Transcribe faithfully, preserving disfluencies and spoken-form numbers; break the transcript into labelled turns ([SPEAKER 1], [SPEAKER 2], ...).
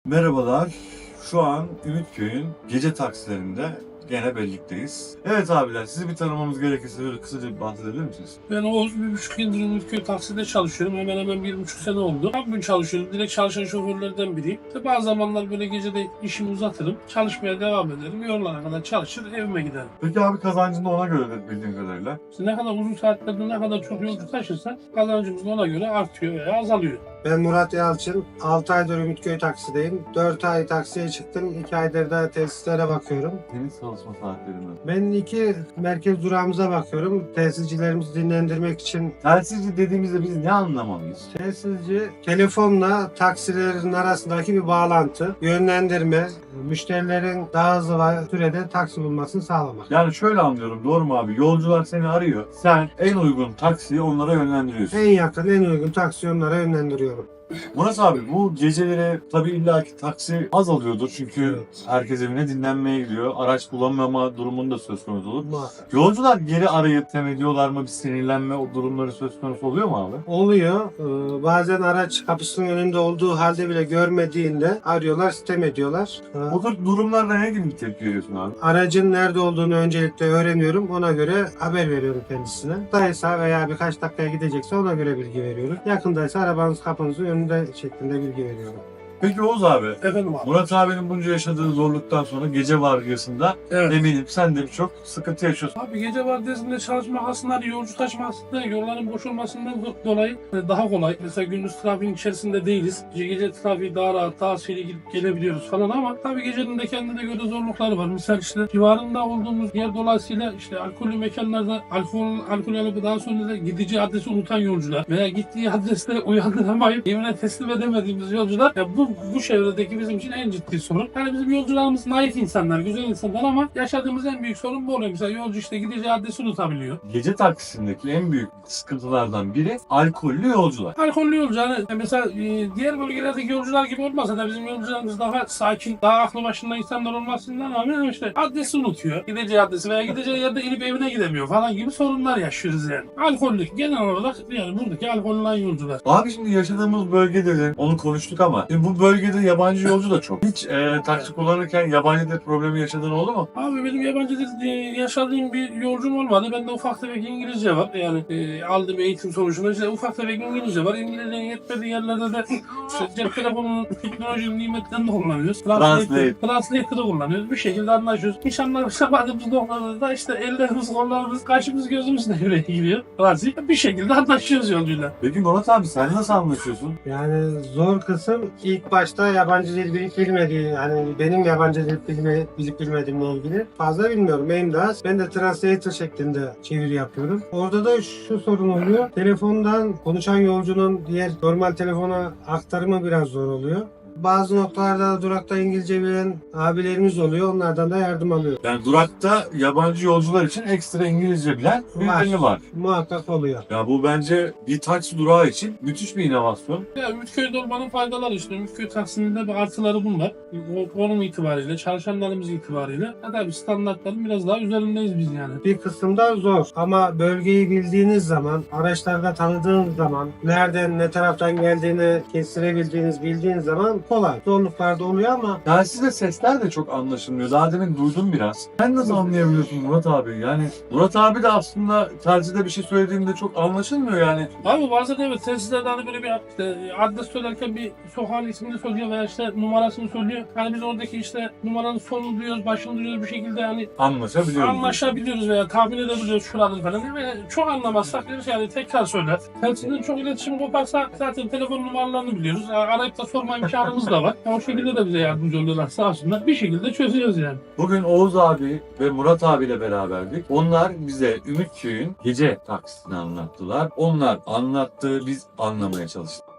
[SPEAKER 1] Merhabalar. Şu an Ümitköy'ün gece taksilerinde gene birlikteyiz. Evet abiler, sizi bir tanımamız gerekirse böyle kısaca bir bahsedebilir misiniz?
[SPEAKER 2] Ben Oğuz bir buçuk yıldır Ümitköy takside çalışıyorum. Hemen hemen bir buçuk sene oldu. Her gün çalışıyorum. Direkt çalışan şoförlerden biriyim. İşte bazı zamanlar böyle gecede işimi uzatırım. Çalışmaya devam ederim. Yorulana kadar çalışır, evime giderim.
[SPEAKER 1] Peki abi kazancın da ona göredir bildiğim kadarıyla.
[SPEAKER 2] İşte ne kadar uzun saatlerde ne kadar çok yolcu taşırsan kazancımız ona göre artıyor veya azalıyor.
[SPEAKER 3] Ben Murat Yalçın. altı aydır Ümitköy taksideyim. dört ay taksiye çıktım. iki aydır da tesislere bakıyorum.
[SPEAKER 1] Senin çalışma saatlerinden.
[SPEAKER 3] Ben iki merkez durağımıza bakıyorum. Tesiscilerimizi dinlendirmek için.
[SPEAKER 1] Telsizci dediğimizde biz ne anlamalıyız?
[SPEAKER 3] Tesisci telefonla taksilerin arasındaki bir bağlantı, yönlendirme, müşterilerin daha hızlı ve sürede taksi bulmasını sağlamak.
[SPEAKER 1] Yani şöyle anlıyorum, doğru mu abi? Yolcular seni arıyor. Sen en uygun taksiyi onlara yönlendiriyorsun.
[SPEAKER 3] En yakın, en uygun taksi onlara yönlendiriyorum.
[SPEAKER 1] Murat abi, bu geceleri tabii illaki taksi az alıyordur çünkü
[SPEAKER 3] Evet.
[SPEAKER 1] herkes evine dinlenmeye gidiyor. Araç bulamama durumunda söz konusu olur.
[SPEAKER 3] Muhakkak.
[SPEAKER 1] Yolcular geri arayıp tem ediyorlar mı? Bir sinirlenme o durumları söz konusu oluyor mu abi?
[SPEAKER 3] Oluyor. Ee, bazen araç kapısının önünde olduğu halde bile görmediğinde arıyorlar, sitem ediyorlar. Ee,
[SPEAKER 1] Bu tür durumlarda ne gibi bir tepki veriyorsun abi?
[SPEAKER 3] Aracın nerede olduğunu öncelikle öğreniyorum. Ona göre haber veriyorum kendisine. Daysa veya birkaç dakikaya gidecekse ona göre bilgi veriyorum. Yakındaysa arabanız kapınızın önünde şeklinde bilgi veriyorum.
[SPEAKER 1] Peki Oğuz abi,
[SPEAKER 2] Efendim abi.
[SPEAKER 1] Murat abinin bunca yaşadığı zorluktan sonra gece vardiyasında
[SPEAKER 2] Evet.
[SPEAKER 1] eminim sen de birçok sıkıntı yaşıyorsun.
[SPEAKER 2] Abi gece vardiyasında çalışmak aslında hani yolcu taşımasında yolların boş olmasından do- dolayı daha kolay. Mesela gündüz trafiğin içerisinde değiliz. Gece, gece trafiği daha rahat, daha seri gidip gelebiliyoruz falan ama tabii gecenin de kendine göre zorlukları var. Mesela işte civarında olduğumuz yer dolayısıyla işte alkollü mekanlarda alkol, alkol alıp daha sonra da gidici adresi unutan yolcular veya gittiği adreste uyandıramayıp evine teslim edemediğimiz yolcular ya bu bu çevredeki bizim için en ciddi sorun. Yani bizim yolcularımız naif insanlar, güzel insanlar ama yaşadığımız en büyük sorun bu oluyor. Mesela yolcu işte gideceği adresi unutabiliyor.
[SPEAKER 1] Gece taksisindeki en büyük sıkıntılardan biri alkollü yolcular.
[SPEAKER 2] Alkollü yolcu hani mesela e, diğer bölgelerdeki yolcular gibi olmasa da bizim yolcularımız daha sakin, daha aklı başında insanlar olmasından rağmen işte adresi unutuyor. Gideceği adresi veya gideceği yerde inip evine gidemiyor falan gibi sorunlar yaşıyoruz yani. Alkollü genel olarak yani buradaki alkollü olan yolcular.
[SPEAKER 1] Abi şimdi yaşadığımız bölgede de onu konuştuk ama e, bu bölgede yabancı yolcu da çok. Hiç e, taksi kullanırken yabancı dil problemi yaşadığın oldu mu?
[SPEAKER 2] Abi benim yabancı dil e, yaşadığım bir yolcum olmadı. Bende ufak tefek İngilizce var. Yani e, aldığım eğitim sonucunda işte ufak tefek İngilizce var. İngilizcenin yetmediği yerlerde de işte cep telefonunun teknolojinin nimetlerini de kullanıyoruz.
[SPEAKER 1] Translate.
[SPEAKER 2] Translator'ı kullanıyoruz. Bir şekilde anlaşıyoruz. Hiç anlaşamadığımız noktalarda da işte ellerimiz, kollarımız, kaşımız, gözümüz devreye giriyor. Razı. Bir şekilde anlaşıyoruz yolcuyla.
[SPEAKER 1] Peki Murat abi sen nasıl anlaşıyorsun?
[SPEAKER 3] Yani zor kısım ilk başta yabancı dil bilip bilmediği, yani benim yabancı dil bilme, bilip bilmediğimle ilgili fazla bilmiyorum. Benim de az. Ben de translator şeklinde çeviri yapıyorum. Orada da şu sorun oluyor. Telefondan konuşan yolcunun diğer normal telefona aktarımı biraz zor oluyor. Bazı noktalarda durakta İngilizce bilen abilerimiz oluyor. Onlardan da yardım alıyor.
[SPEAKER 1] Yani durakta yabancı yolcular için ekstra İngilizce bilen birileri var.
[SPEAKER 3] Muhakkak oluyor.
[SPEAKER 1] Ya bu bence bir taksi durağı için müthiş bir inovasyon.
[SPEAKER 2] Ya Ümitköy'de olmanın faydaları işte. Ümitköy taksinin bir artıları bunlar. O konum itibariyle, çalışanlarımız itibariyle. Ya tabii standartların biraz daha üzerindeyiz biz yani.
[SPEAKER 3] Bir kısımda zor ama bölgeyi bildiğiniz zaman, araçlarda tanıdığınız zaman, nereden ne taraftan geldiğini kestirebildiğiniz, bildiğiniz zaman kolay. Zorluklar da oluyor ama
[SPEAKER 1] Telsizde sesler de çok anlaşılmıyor. Daha demin duydum biraz. Sen nasıl anlayabiliyorsun Murat abi? Yani Murat abi de aslında telsizde bir şey söylediğinde çok anlaşılmıyor yani.
[SPEAKER 2] Abi bazen evet telsizlerde hani böyle bir işte, adres söylerken bir sokağın ismini söylüyor veya işte numarasını söylüyor. Hani biz oradaki işte numaranın sonunu duyuyoruz, başını duyuyoruz bir şekilde hani
[SPEAKER 1] Anlaşabiliyoruz.
[SPEAKER 2] anlaşabiliyoruz veya tahmin edebiliyoruz şuradır falan. Ve çok anlamazsak diyoruz yani tekrar söyler. Telsizden çok iletişim koparsa zaten telefon numaralarını biliyoruz. Yani arayıp da sorma imkanımız da var. Yani o şekilde de bize yardımcı oluyorlar sağ olsunlar. Bir şekilde çözüyoruz yani.
[SPEAKER 1] Bugün Oğuz abi ve Murat abiyle beraberdik. Onlar bize Ümitköy'ün gece taksisini anlattılar. Onlar anlattı, biz anlamaya çalıştık.